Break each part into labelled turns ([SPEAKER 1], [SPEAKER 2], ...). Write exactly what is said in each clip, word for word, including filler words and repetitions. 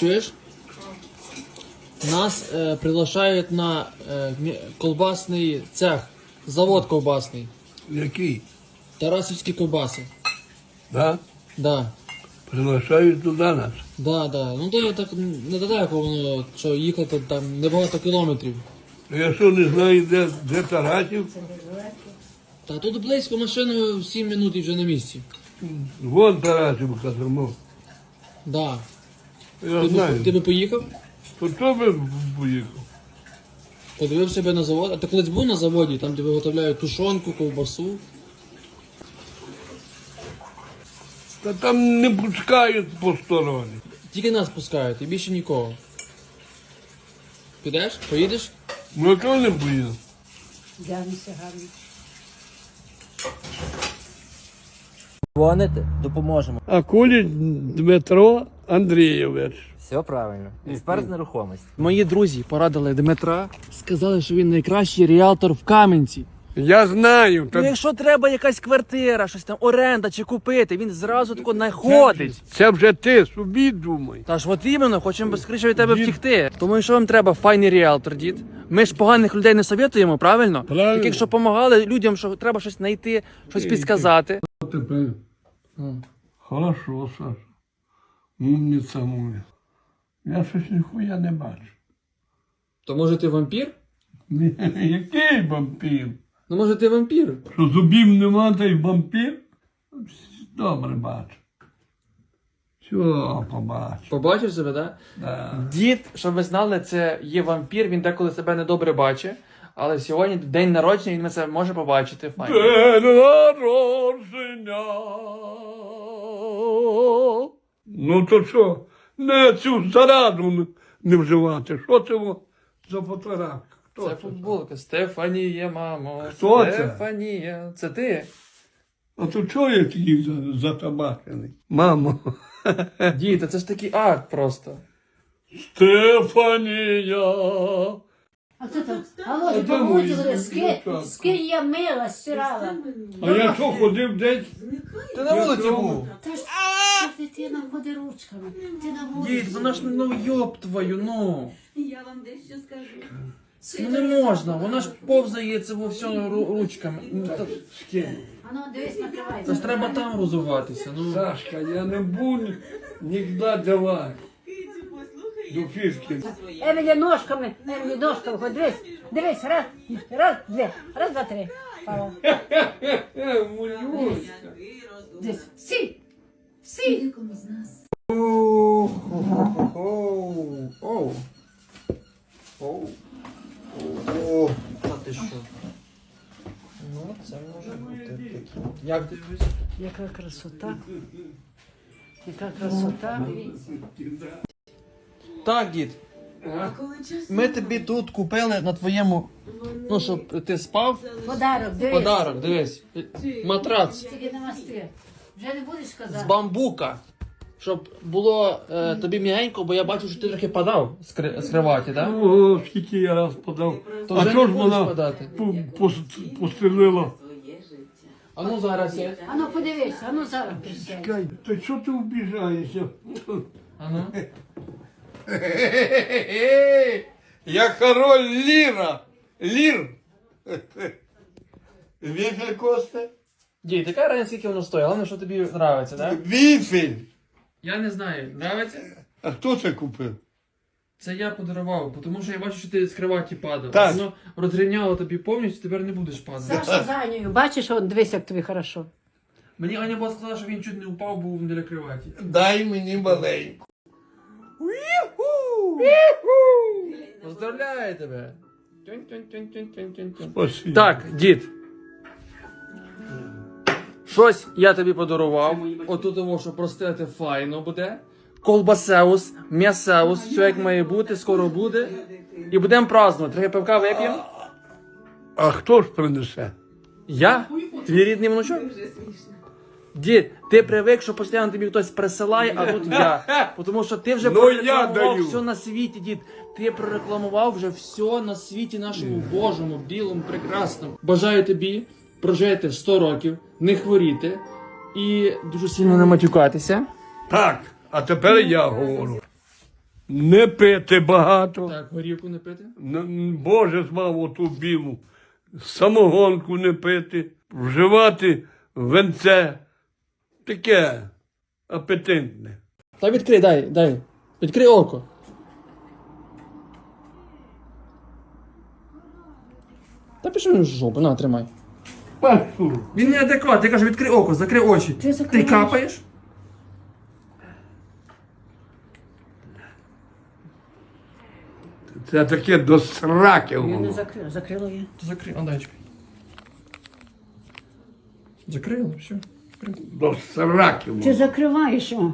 [SPEAKER 1] чуєш? Нас е, приглашають на е, мі- колбасний цех, завод колбасний.
[SPEAKER 2] Який?
[SPEAKER 1] Тарасівські ковбаси.
[SPEAKER 2] Да?
[SPEAKER 1] Да.
[SPEAKER 2] Приглашають туди нас.
[SPEAKER 1] Да, да. Ну то так недалеко воно, що їхати там небагато кілометрів.
[SPEAKER 2] Я що не знаю, де, де Тарасів?
[SPEAKER 1] Та тут близько машиною сім минут і вже на місці.
[SPEAKER 2] Вон Тарасівка тому.
[SPEAKER 1] Да.
[SPEAKER 2] Я
[SPEAKER 1] Ти,
[SPEAKER 2] знаю.
[SPEAKER 1] б, ти би поїхав?
[SPEAKER 2] То хто би поїхав?
[SPEAKER 1] Подивив себе на завод. А ти колись був на заводі, там де виготовляють тушонку, ковбасу.
[SPEAKER 2] Та там не пускають посторонні.
[SPEAKER 1] Тільки нас пускають і більше нікого. Підеш? Поїдеш?
[SPEAKER 2] Ну чого не поїду?
[SPEAKER 3] Дянися гарно.
[SPEAKER 4] Дзвоните, допоможемо.
[SPEAKER 2] А Куліч Дмитро Андрійович.
[SPEAKER 4] Все правильно. Експерт з нерухомості.
[SPEAKER 1] Мої друзі порадили Дмитра, сказали, що він найкращий ріалтор в Кам'янці.
[SPEAKER 2] Я знаю.
[SPEAKER 4] Ну,
[SPEAKER 2] Та
[SPEAKER 4] якщо треба якась квартира, щось там, оренда чи купити, він зразу тако знаходить.
[SPEAKER 2] це вже ти собі думай.
[SPEAKER 4] Та ж от іменно, хочемо безкрича від тебе втікти. Тому що вам треба файний ріалтор, дід. Ми ж поганих людей не совєтуємо, правильно?
[SPEAKER 2] Правильно.
[SPEAKER 4] Таких, що допомагали людям, що треба щось знайти, щось підсказати.
[SPEAKER 2] Тепер. Хорошо, Саша. Умниця моя. Я щось ніхуя не бачу.
[SPEAKER 1] То може ти вампір?
[SPEAKER 2] Ні, який вампір?
[SPEAKER 1] Ну може ти вампір?
[SPEAKER 2] Що зубів нема, та й вампір? Добре бачу. Все, побачу.
[SPEAKER 1] Побачив себе, так?
[SPEAKER 2] Да.
[SPEAKER 1] Дід, щоб ви знали, це є вампір, він деколи себе недобре бачить. Але сьогодні день народження, він це може побачити. Файно.
[SPEAKER 2] День народження. Ну то що? Не цю зараду не вживати. Що це во за фотографія? Хто
[SPEAKER 1] Це футболка. Стефанія, мамо.
[SPEAKER 2] Хто це?
[SPEAKER 1] Стефанія. Це ти?
[SPEAKER 2] А то чого я такий за- затабачений? Мамо.
[SPEAKER 1] Дід, це ж такий акт просто.
[SPEAKER 2] Стефанія.
[SPEAKER 3] А хто там? Алло,
[SPEAKER 2] де
[SPEAKER 3] помочь,
[SPEAKER 2] мої
[SPEAKER 3] говорю, скинь,
[SPEAKER 2] дівчатка?
[SPEAKER 3] скинь я мила, стирала.
[SPEAKER 2] А я що ходив десь?
[SPEAKER 4] Ти на вулиці був.
[SPEAKER 3] Та ж та дитина ходи ручками. Ти на вулиці.
[SPEAKER 1] Дід, вона ж, ну йоб твою, ну.
[SPEAKER 5] Я вам дещо скажу.
[SPEAKER 1] Ну не можна, вона ж повзає це во все ру- ручками. Ну, та-
[SPEAKER 3] А ну, дивись, накривай.
[SPEAKER 1] Це ж треба там розуватися. Ну.
[SPEAKER 2] Сашка, я не буду нікуди давати.
[SPEAKER 5] Кицю, послухай.
[SPEAKER 2] До фішки.
[SPEAKER 3] Емілі ножками, Емілі ножками, ходи, дивись, дивись, раз, раз, дві, раз, два, три. Пала.
[SPEAKER 2] Мулюсь.
[SPEAKER 3] Дивись, сі, сі.
[SPEAKER 1] Оу. Оу. Оу. Та ти що? Ну, це може бути таке. Як дивись?
[SPEAKER 3] Яка красота. Яка красота.
[SPEAKER 1] Так, дід. Ми тобі тут купили на твоєму, ну, щоб ти спав.
[SPEAKER 3] Подарок, дивись.
[SPEAKER 1] Подарок, дивись. Матрац
[SPEAKER 3] Тільки намасти. Вже не будеш
[SPEAKER 1] з
[SPEAKER 3] казати.
[SPEAKER 1] бамбука. Щоб було е, тобі м'ягенько, бо я бачу, що ти трохи падав з, кри- з криваті, так?
[SPEAKER 2] Ого, скільки я раз подав.
[SPEAKER 1] То
[SPEAKER 2] А
[SPEAKER 1] вже
[SPEAKER 2] що
[SPEAKER 1] не
[SPEAKER 2] ж
[SPEAKER 1] будеш
[SPEAKER 2] вона
[SPEAKER 1] подати.
[SPEAKER 2] пу- пос- пострілила?
[SPEAKER 1] А ну зараз я.
[SPEAKER 3] А ну подивись, а ну зараз присядь.
[SPEAKER 2] Чекай, та що ти вбіжаєшся?
[SPEAKER 1] А ну.
[SPEAKER 2] Я король Ліра. Лір. Віфель Косте?
[SPEAKER 1] Дід, яка разниця, скільки воно стоїть? Головне, що тобі подобається, так?
[SPEAKER 2] Віфель.
[SPEAKER 1] Я не знаю, подобається?
[SPEAKER 2] А хто це купив?
[SPEAKER 1] Це я подарував, тому що я бачу, що ти з криваті падав.
[SPEAKER 2] Так.
[SPEAKER 1] Воно розрівняло тобі повністю, тепер не будеш падати.
[SPEAKER 3] Саша за Анею, бачиш, он, дивись, як тобі хорошо.
[SPEAKER 1] Мені Аня була сказала, що він чуть не упав, був біля криваті.
[SPEAKER 2] Дай мені маленьку.
[SPEAKER 1] Поздравляю тебе! Тюнь-тюнь-тюнь-тюнь-тюнь-тюнь.
[SPEAKER 2] Спасибо.
[SPEAKER 1] Так, дід. Щось я тобі подарував. Отут того, що простити файно буде. Колбасеус, м'ясеус, все як має бути, скоро буде. І будемо празднувати. Трохи пивка вип'ємо.
[SPEAKER 2] А хто ж принесе?
[SPEAKER 1] Я? Твій рідний внучок? Дід, ти привик, що постійно тобі хтось присилає, а тут я. Тому що ти вже
[SPEAKER 2] Ну, я
[SPEAKER 1] прорекламував
[SPEAKER 2] даю.
[SPEAKER 1] все на світі, дід. Ти прорекламував вже все на світі нашому Божому, білому, прекрасному. Бажаю тобі прожити сто років, не хворіти і дуже сильно не матюкатися.
[SPEAKER 2] Так, а тепер я говорю. Не пити багато.
[SPEAKER 1] Так, горівку не пити.
[SPEAKER 2] Н- Боже звав оту білу. Самогонку не пити. Вживати венце. Таке апетитне.
[SPEAKER 1] Та відкрий, дай, дай. Відкрий око. Та пішов він в жопу, на, тримай.
[SPEAKER 2] Пасту.
[SPEAKER 1] Він не адекват, я кажу, відкрий око, закрий очі.
[SPEAKER 3] Ти закриваєш.
[SPEAKER 1] капаєш?
[SPEAKER 2] Це таке до сраки
[SPEAKER 3] Я не
[SPEAKER 2] воно.
[SPEAKER 3] закрила, закрила я.
[SPEAKER 1] То закрий, а дай чекай. Закрили, все.
[SPEAKER 2] До сраки
[SPEAKER 3] Ти
[SPEAKER 2] воно.
[SPEAKER 3] закриваєш, о.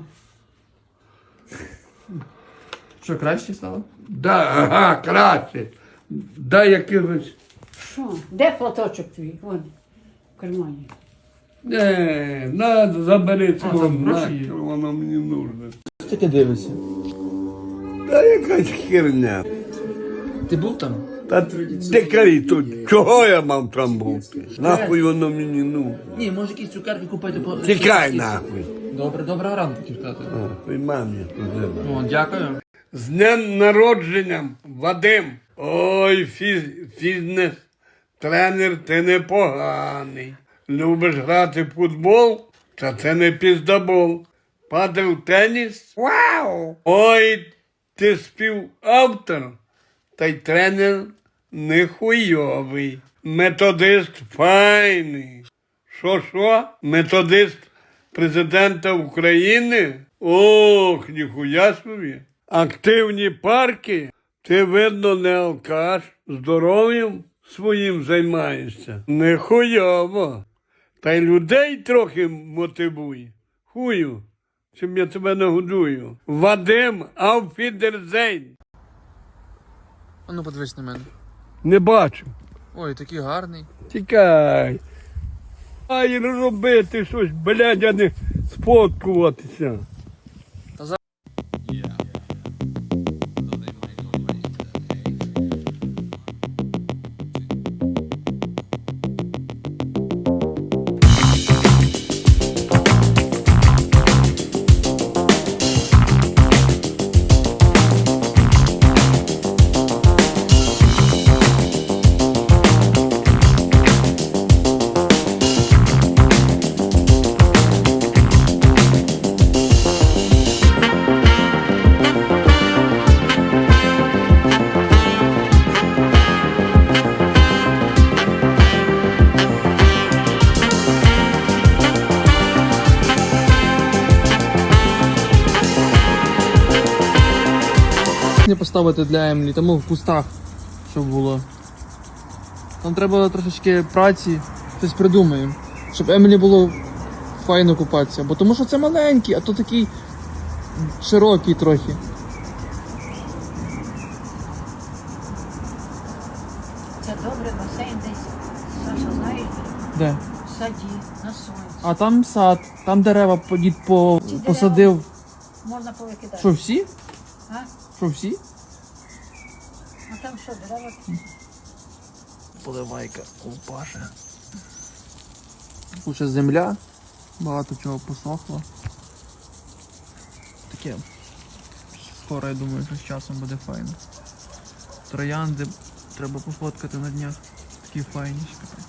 [SPEAKER 1] Що, краще стало?
[SPEAKER 2] Да, ага, краще. Дай якихось.
[SPEAKER 3] Що? Де платочок твій? Вон, в кармані.
[SPEAKER 2] Не, надо, забери це
[SPEAKER 1] А, там
[SPEAKER 2] воно,
[SPEAKER 1] гроші є?
[SPEAKER 2] нахер воно мені нужне.
[SPEAKER 1] Що таке дивишся?
[SPEAKER 2] Та якась херня.
[SPEAKER 1] Ти був там?
[SPEAKER 2] Та дикарі тут, чого я мав там бути? Нахуй воно мені ну.
[SPEAKER 1] Ні, може якісь цукерки купити по...
[SPEAKER 2] Тікай нахуй.
[SPEAKER 1] Добре, добре, ранку тікати.
[SPEAKER 2] Ой, мамі туди.
[SPEAKER 1] О, дякую.
[SPEAKER 2] З днем народженням, Вадим. Ой, фіз, фітнес, тренер, ти непоганий. Любиш грати в футбол? Та це не піздабол. Падав теніс? Вау! Ой, ти співавтор, та й тренер не хуйовий. Методист файний. Що-що? Методист президента України? Ох, ніхуя собі. Активні парки? Ти, видно, не алкаш, здоров'ям своїм займаєшся. Не хуйово. Та й людей трохи мотивуй. Хую, чим я тебе нагодую. Вадим Ауфідерзейн.
[SPEAKER 1] А ну подивись на мене.
[SPEAKER 2] Не бачу.
[SPEAKER 1] Ой, такий гарний.
[SPEAKER 2] Тікай. Ай, робити щось, блядь, а не сфоткуватися.
[SPEAKER 1] Не поставити для Емлі, тому в кустах, щоб було. Там треба трошечки праці, щось придумаємо, щоб Емілі було файно купатися. Бо тому що це маленький, а то такий широкий трохи.
[SPEAKER 3] Це добре, басейн десь. Саша, знаєш,
[SPEAKER 1] Де?
[SPEAKER 3] в саді, на сонці.
[SPEAKER 1] А там сад, там дерева по- дід по,
[SPEAKER 3] Ці дерева?
[SPEAKER 1] посадив.
[SPEAKER 3] Можна повикидати.
[SPEAKER 1] Що, всі?
[SPEAKER 3] А?
[SPEAKER 1] Що, всі?
[SPEAKER 3] А там що, дерева?
[SPEAKER 1] Поливайка ковпаша. Тут ще земля, багато чого посохло. Таке. Скоро, я думаю, що з часом буде файно. Троянди треба пофоткати на днях. Такі файні.